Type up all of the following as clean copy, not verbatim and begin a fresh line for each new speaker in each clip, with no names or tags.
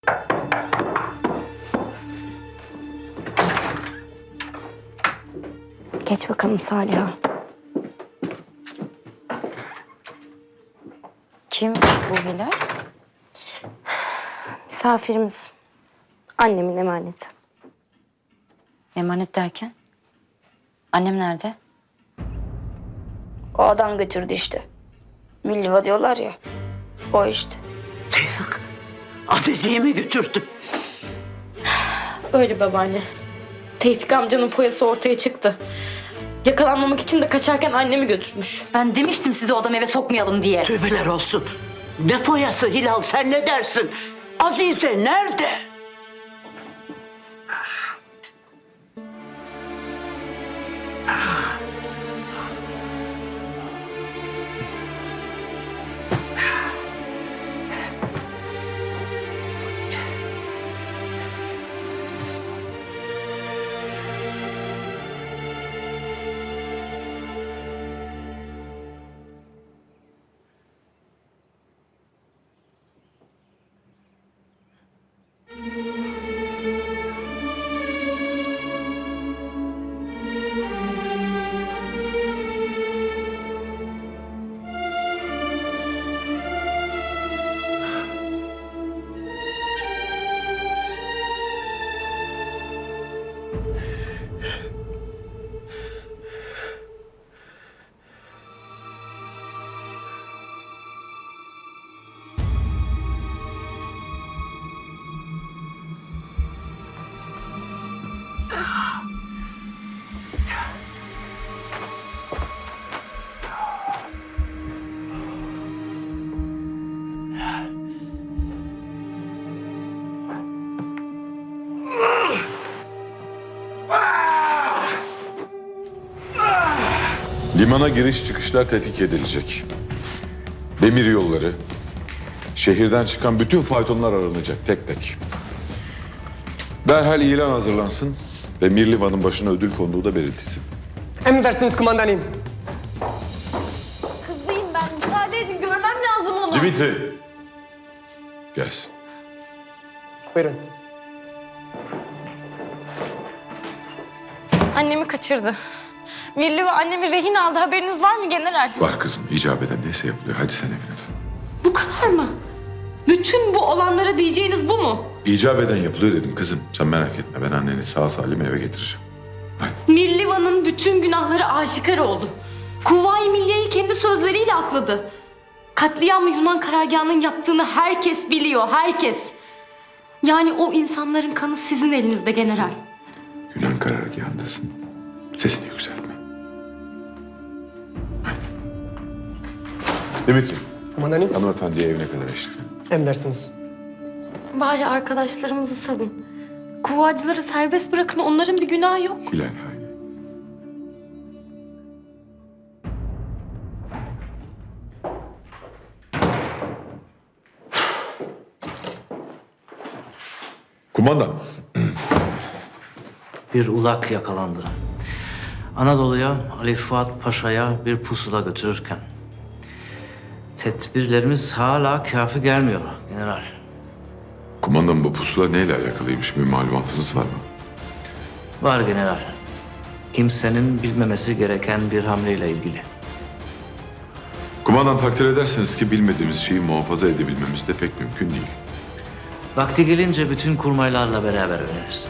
Geç bakalım Saliha.
Kim bu Hilal?
Misafirimiz. Annemin emaneti.
Emanet derken? Annem nerede?
O adam götürdü işte. Milliva diyorlar ya. O işte.
Tevfik, Azize'yi mi götürdün?
Öyle babaanne. Tevfik amcanın foyası ortaya çıktı. Yakalanmamak için de kaçarken annemi götürmüş.
Ben demiştim size odam eve sokmayalım diye.
Tövbeler olsun. Ne foyası Hilal, sen ne dersin? Azize nerede?
Limana giriş çıkışlar tetkik edilecek. Demir yolları, şehirden çıkan bütün faytonlar aranacak tek tek. Derhal ilan hazırlansın ve Mirlivan'ın başına ödül konduğu da belirtilsin.
Emredersiniz kumandanım.
Kızıyım ben. Müsaade edin. Görmem lazım onu.
Dimitri, gelsin.
Buyurun.
Annemi kaçırdı. Mirli ve annemi rehin aldı. Haberiniz var mı general?
Var kızım, icap eden neyse yapılıyor. Hadi sen evine dön.
Bu kadar mı? Bütün bu olanlara diyeceğiniz bu mu?
İcap eden yapılıyor dedim kızım. Sen merak etme, ben anneni sağ salim eve getireceğim. Hadi.
Mirlivan'ın bütün günahları aşikar oldu. Kuvayi Milliye'yi kendi sözleriyle akladı. Katliamı Yunan karargahının yaptığını herkes biliyor, herkes. Yani o insanların kanı sizin elinizde general.
Yunan karargahındasın. Sesini yükseltme. Hadi. Dimitri,
Kumandanım.
hanımefendiye evine kadar eşlik edin.
Emredersiniz.
Bari arkadaşlarımızı salın. Kuvacıları serbest bırakın, onların bir günahı yok.
Hilal, haydi. Kumandan,
Bir ulak yakalandı. Anadolu'ya Ali Fuat Paşa'ya bir pusula götürürken. Tedbirlerimiz hala kafi gelmiyor general.
kumandan bu pusula neyle alakalıymış, bir malumatınız var mı?
Var general. Kimsenin bilmemesi gereken bir hamleyle ilgili.
Kumandan, takdir ederseniz ki bilmediğimiz şeyi muhafaza edebilmemiz de pek mümkün değil.
Vakti gelince bütün kurmaylarla beraber öğreniriz.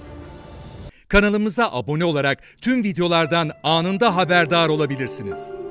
Kanalımıza abone olarak tüm videolardan anında haberdar olabilirsiniz.